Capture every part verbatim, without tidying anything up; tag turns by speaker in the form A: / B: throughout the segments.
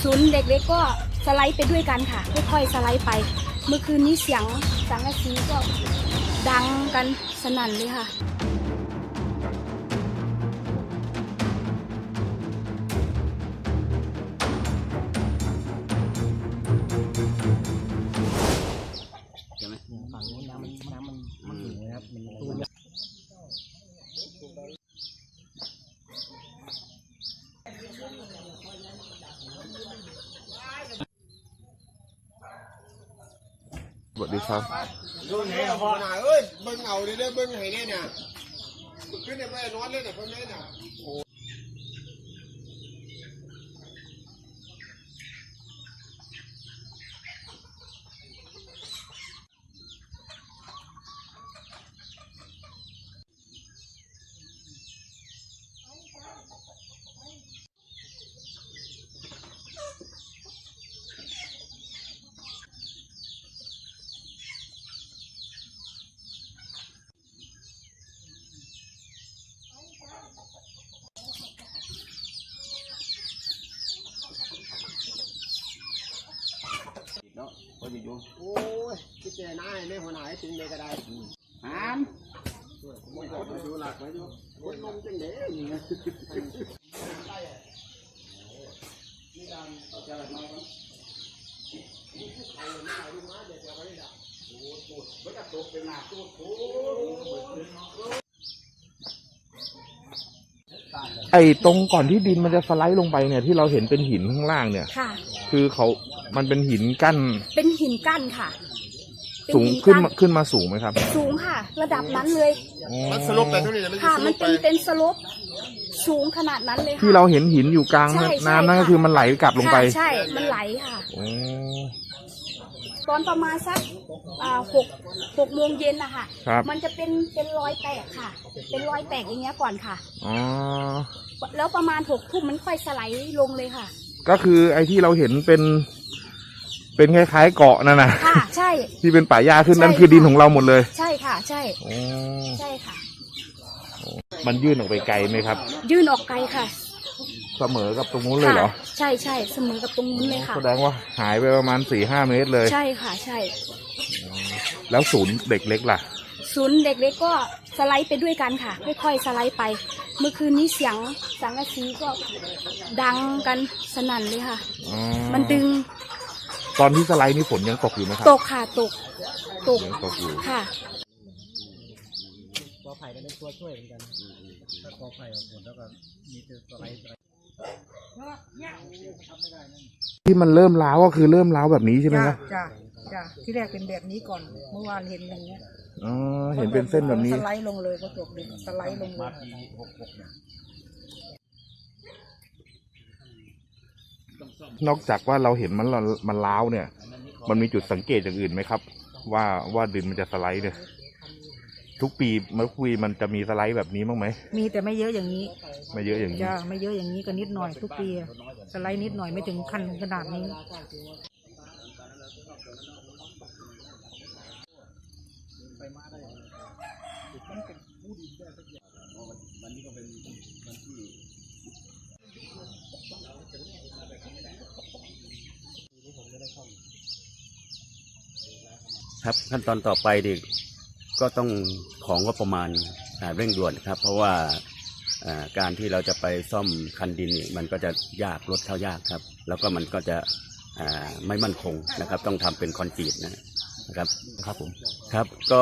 A: ศูนย์เด็กเล็กก็สไลด์ไปด้วยกันค่ะค่อยๆสไลด์ไปเมื่อคืนนี้เสียงสังกะสีก็ดังกันสนั่นเลยค่ะ
B: ใช่ไหมฝั่งนู้นน้ำมันน้ำมันมันสูงนะครับมันตูน
C: สวัสดีครับ
D: ดูไหนอ่ะพ่อเอ้ยเบิ้งเอาดิเด้อเบิ้งให้เนี่ยเนี่ยขึ้นเนี่ยไปนอนเลยเนี่ยเพิ่นเนี่ย
B: เนาะพออยู่
D: โอ้ยคิดแต่หน้าให้แม่หัวหน้าให้ถึงเลยก็ได้
B: หาม
D: มาดูหลักมาดูคนลงจังเด้นี่นะนี่ดำเอาใจมาครับเอาหน้าดูมาเดี๋ยวจะไว้ละโอ้โหไม่กระตุกเป็นหนักตัวโอ้
C: ไอ้ตรงก่อนที่ดินมันจะสไลด์ลงไปเนี่ยที่เราเห็นเป็นหินข้างล่างเนี่ย
A: ค่ะ
C: คือเขามันเป็นหินกั้น
A: เป็นหินกั้นค่ะ
C: สูงขึ้นมาขึ้นมาสูงไหมครับ
A: สูงค่ะระดับนั้นเลย
D: มันสลบไปเท่านี้นะ
A: ค่ะมันเป็นเป็นสลบสูงขนาดนั้นเลยค่ะ
C: ที่เราเห็นหินอยู่กลางน้ำนั่นก็คือมันไหลกลับลงไป
A: ใช่มันไหลค่ะตอนประมาณสักหกหกโมงเย็นนะคะมันจะเป็นเป็นรอยแตกค่ะเป็นรอยแตกอย่างเงี้ยก่อนค่ะ
C: อ๋อ
A: แล้วประมาณหกทุ่มมันค่อยสไลด์ลงเลยค่ะ
C: ก็คือไอ้ที่เราเห็นเป็นเป็นคล้ายๆเกาะนั่นนะ
A: ค่ะใช่
C: ที่เป็นป่าหญ้าขึ้นนั่นคือดินของเราหมดเลย
A: ใช่ค่ะใช่ใช่ค่ะ
C: มันยื่นออกไปไกลไหมครับ
A: ยื่นออกไกลค่ะ
C: เสมอกับตรงนู้นเลยเหรอ
A: ใช่ใช่เสมอกับตรงนู้นเลยค่ะ
C: แสดงว่าหายไปประมาณสี่ห้าเมตรเลย
A: ใช่ค่ะใช่
C: แล้วศูนย์เด็กเล็กล่ะ
A: ศูนย์เด็กเล็กก็สไลด์ไปด้วยกันค่ะค่อยๆสไลด์ไปเมื่อคืนนี้เสียงสังกะสีก็ดังกันสนั่นเลยค่ะมันดึง
C: ตอนที่สไลด์นี่ฝนยังตกอยู่ไหมครับ
A: ตกค่ะตกตก
C: ยังตกอยู่
A: ค่ะ
B: กอไผ่ก็เป็นตัวช่วยเหมือนกันถ้ากอไผ่ฝนแล้วก็มีตัวสไลด์
C: ที่มันเริ่มร้าวก็คือเริ่มร้าวแบบนี้ใช่ไหมครับ
E: จ้ะจ้ะที่แรกเป็นแบบนี้ก่อนเมื่อวานเห็นอย่างเงี้ย
C: อ๋อเห็นเป็นเส้นแบบนี้
E: สไลด์ลงเลยก็ตกดินสไลด์ลงเลย
C: นอกจากว่าเราเห็นมันมันร้าวเนี่ยมันมีจุดสังเกตอย่างอื่นไหมครับว่าว่าดินมันจะสไลด์เนี่ยทุกปีเมื่อคุยมันจะมีสไลด์แบบนี้บ้างไหม
E: มีแต่ไม่เยอะอย่างนี้
C: ไม่เยอะอย่างนี้
E: จ้ะไม่เยอะอย่างนี้ก็นิดหน่อยทุกปีสไลด์นิดหน่อยไม่ถึงขั้นขนาดนี้
B: ครับขั้นตอนต่อไปดิก็ต้องของงบประมาณเร่งด่วนครับเพราะว่าการที่เราจะไปซ่อมคันดินนี่มันก็จะยากรถเข้ายากครับแล้วก็มันก็จะไม่มั่นคงนะครับต้องทำเป็นคอนกรีตนะครับครับผมครับก็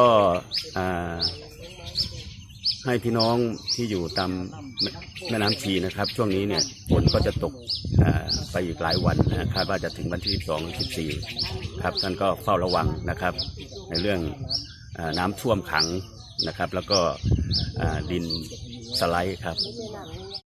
B: ให้พี่น้องที่อยู่ตามแม่น้ำชีนะครับช่วงนี้เนี่ยฝนก็จะตกไปอีกหลายวันนะคาดว่าจะถึงวันที่สิบสอง สิบสี่ครับท่านก็เฝ้าระวังนะครับในเรื่องน้ำท่วมขังนะครับแล้วก็ดินสไลด์ครับ